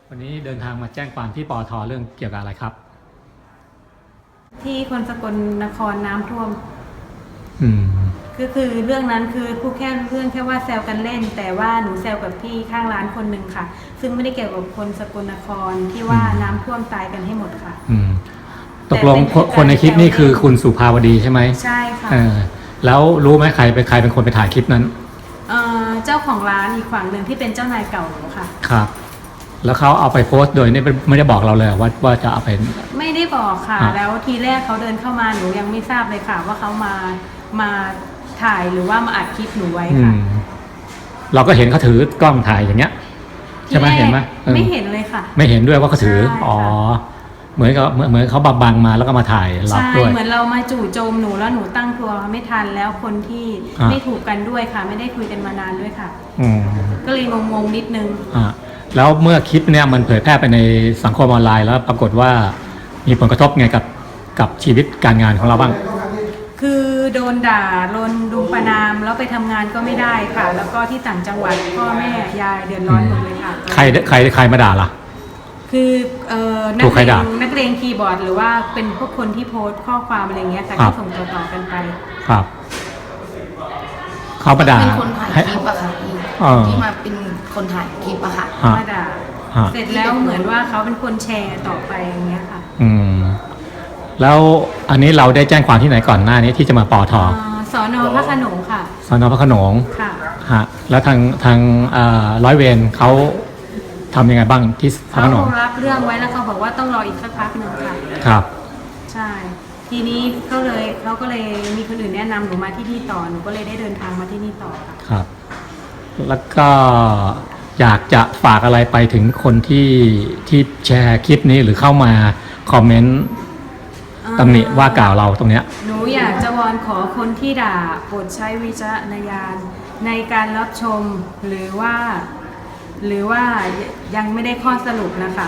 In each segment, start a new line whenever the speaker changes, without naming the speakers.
วันนี้เดินทางมาแจ้งความที่ปอทเรื่องเกี่ยวกับอะไรครับ
ที่คนสกลนครน้ำท่วม
อืม
คือเรื่องนั้นคือพูดแค่เรื่องแค่ว่าแซวกันเล่น แต่ว่าหนูแซวกับพี่ข้างร้านคนหนึ่งค่ะ ซึ่งไม่ได้เกี่ยวกับคนสกลนครที่ว่าน้ำท่วมตายกันให้หมดค่ะ
ตกลงคนในคลิปนี่คือคุณสุภาวดีใช่ไหม
ใช่ค่ะ
แล้วรู้ไหมใครเป็นคนไปถ่ายคลิปนั้น
เจ้าของร้านอีกฝั่งหนึ่งที่เป็นเจ้านายเก่าหนูค่ะ
ครับแล้วเขาเอาไปโพสต์โดยไม่ได้บอกเราเลยว่าจะเอาไป
ไม่ได้บอกค่ะแล้วทีแรกเขาเดินเข้ามาหนูยังไม่ทราบเลยค่ะว่าเขามาถ่ายหรือว่ามาอัดคลิปหนูไว้ค่ะ
เราก็เห็นเขาถือกล้องถ่ายอย่างเงี้ยใช่ไหมเห็นไหม
ไม่เห็นเลยค่ะ
ไม่เห็นด้วยว่าเขาถืออ๋อเหมือนเขาบังมาแล้วก็มาถ่ายรับด้วย
เหมือนเรามาจู่โจมหนูแล้วหนูตั้งตัวไม่ทันแล้วคนที่ไม่ถูกกันด้วยค่ะไม่ได้คุยกันมานานด้วยค่ะก็เลยงงนิดนึง
แล้วเมื่อคลิปเนี่ยมันเผยแพร่ไปในสังคมออนไลน์แล้วปรากฏว่ามีผลกระทบไงกับชีวิตการงานของเราบ้าง
คือโดนด่าโดนดุประนามแล้วไปทำงานก็ไม่ได้ค่ะแล้วก็ที่ต่างจังหวัดพ่อแม่ยายเดือดร้อนหมดเลยค่ะ
ใครมาด่าล่ะ
คือนักเลงคีย์บอร์ดหรือว่าเป็นพวกคนที่โพสต์ข้อความอะไรเงี้ยค่ะที่ส่งต่อกันไป
ครับเขามาด่า
เป็นคนถ่ายคลิปอะค่ะที่มาเป็นคนถ่ายคลิปอะค่ะ
มาด่าเสร็จแล้วเหมือนว่าเขาเป็นคนแชร์ต่อไปอย่างเงี้ยค่ะ
แล้วอันนี้เราได้แจ้งความที่ไหนก่อนหน้านี้ที่จะมาปอท
สน.พระโขนงค่ะ
สน.พระโขนง
ค่ะ
ฮะแล้วทางร้อยเวรเขาทำยังไงบ้างที่พระโขนง
เขารับเรื่องไว้แล้วเขาบอกว่าต้องรออีกสักพักหนึ่งค่ะ
ครับ
ใช่ทีนี้เขาก็เลยมีคนอื่นแนะนำหนูมาที่นี่ต่อหนูก็เลยได้เดินทางมาที่นี่ต่อ
ครับแล้วก็อยากจะฝากอะไรไปถึงคนที่แชร์คลิปนี้หรือเข้ามาคอมเมนต์ตำหนิว่ากล่าวเราตรงเนี้ย
หนูอยากจะวอนขอคนที่ด่าโปรดใช้วิจารณญาณในการรับชมหรือว่ายังไม่ได้ข้อสรุปนะคะ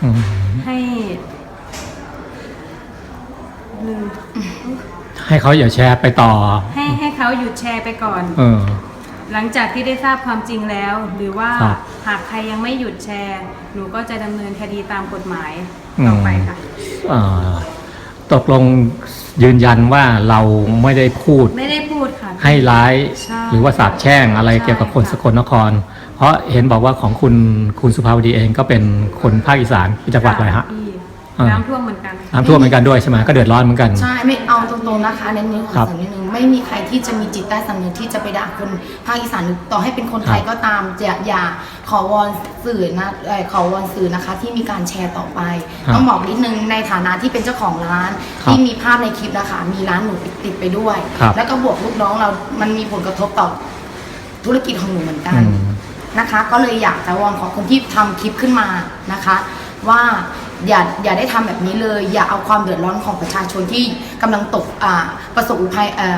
ให้เขาอย่าแชร์ไปต่อ
ให้เขาหยุดแชร์ไปก่อนหลังจากที่ได้ทราบความจริงแล้วหรือว่าหากใครยังไม่หยุดแชร์หนูก็จะดำเนินคดีตามกฎหมายต่อไปค่ะ
ตกลงยืนยันว่าเราไม่ได้พูด
ค่ะ
ให้ร้ายหรือว่าสาปแช่งอะไรเกี่ยวกับคนสกลนครเพราะเห็นบอกว่าของคุณสุภาวดีเองก็เป็นคนภาคอีสานจังหวัดอะไรฮะ
น้ำท่วมเหมือนกัน
น้ำท่วมเหมือนกันด้วยใช่ไหมก็เดือดร้อนเหมือนกัน
ใช่ไม่เอาตรงๆนะคะเน้นขอเสริมนิดนึงไม่มีใครที่จะมีจิตใต้สำนึกที่จะไปด่าคนภาคอีสานต่อให้เป็นคนไทยก็ตามอย่าขอวอนสื่อนะขอวอนสื่อนะคะที่มีการแชร์ต่อไปต้องบอกนิดนึงในฐานะที่เป็นเจ้าของร้านที่มีภาพในคลิปนะคะมีร้านหนูติดไปด้วยแล้วก็บวกลูกน้องเรามันมีผลกระทบต่อธุรกิจของหนูเหมือนกันนะคะก็เลยอยากจะวอนขอคนที่ทำคลิปขึ้นมานะคะว่าอย่าได้ทำแบบนี้เลยอย่าเอาความเดือดร้อนของประชาชนที่กำลังประสบอุท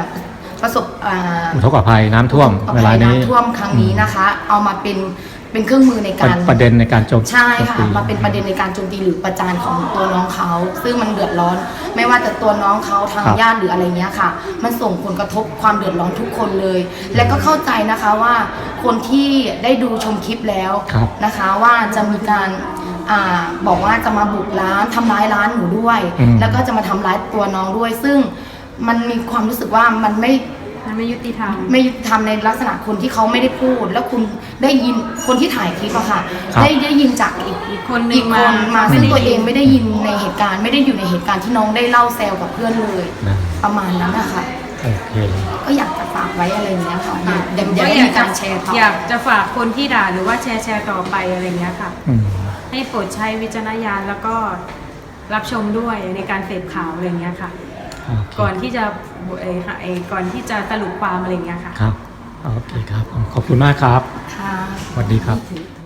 ก
ภัยน้ำท่วมเวลานี้
น้ำท่วมครั้งนี้นะคะเอามาเป็นเครื่องมือในการ
ประเด็นในการโจมตี
ใช่ค่ะมาเป็นประเด็นในการโจมตีหรือประจานของตัวน้องเขาซึ่งมันเดือดร้อนไม่ว่าแต่ตัวน้องเขาทางญาติหรืออะไรเงี้ยค่ะมันส่งผลกระทบความเดือดร้อนทุกคนเลยและก็เข้าใจนะคะว่าคนที่ได้ดูชมคลิปแล้วนะคะว่าจะมีการบอกว่าจะมาบุกร้านทำร้ายร้านหนูด้วยแล้วก็จะมาทำร้ายตัวน้องด้วยซึ่งมันมีความรู้สึกว่ามันไม่
ยุติธรร
มในลักษณะคนที่เขาไม่ได้พูดแล้วคุณได้ยินคนที่ถ่ายคลิปอะค่ะได้ยินจากอีกคนมาซึ่งตัวเองไม่ได้ยินในเหตุการณ์ไม่ได้อยู่ในเหตุการณ์ที่น้องได้เล่าแซวกับเพื่อนเลยประมาณนั้นนะคะก็อยากจะฝากไว้อะไรเงี้ยค่ะอยากได้มีการแชร์
อยากจะฝากคนที่ด่าหรือว่าแชร์ต่อไปอะไรเงี้ยค่ะให้โปรดใช้วิจารณญาณแล้วก็รับชมด้วยในการเสพข่าวอะไรเงี้ยค่ะก่อนที่จะสรุปความอะไรเงี้ยค่ะ
ครับโอเคครับขอบคุณมากครับ
ค่ะ
สวัสดีครับ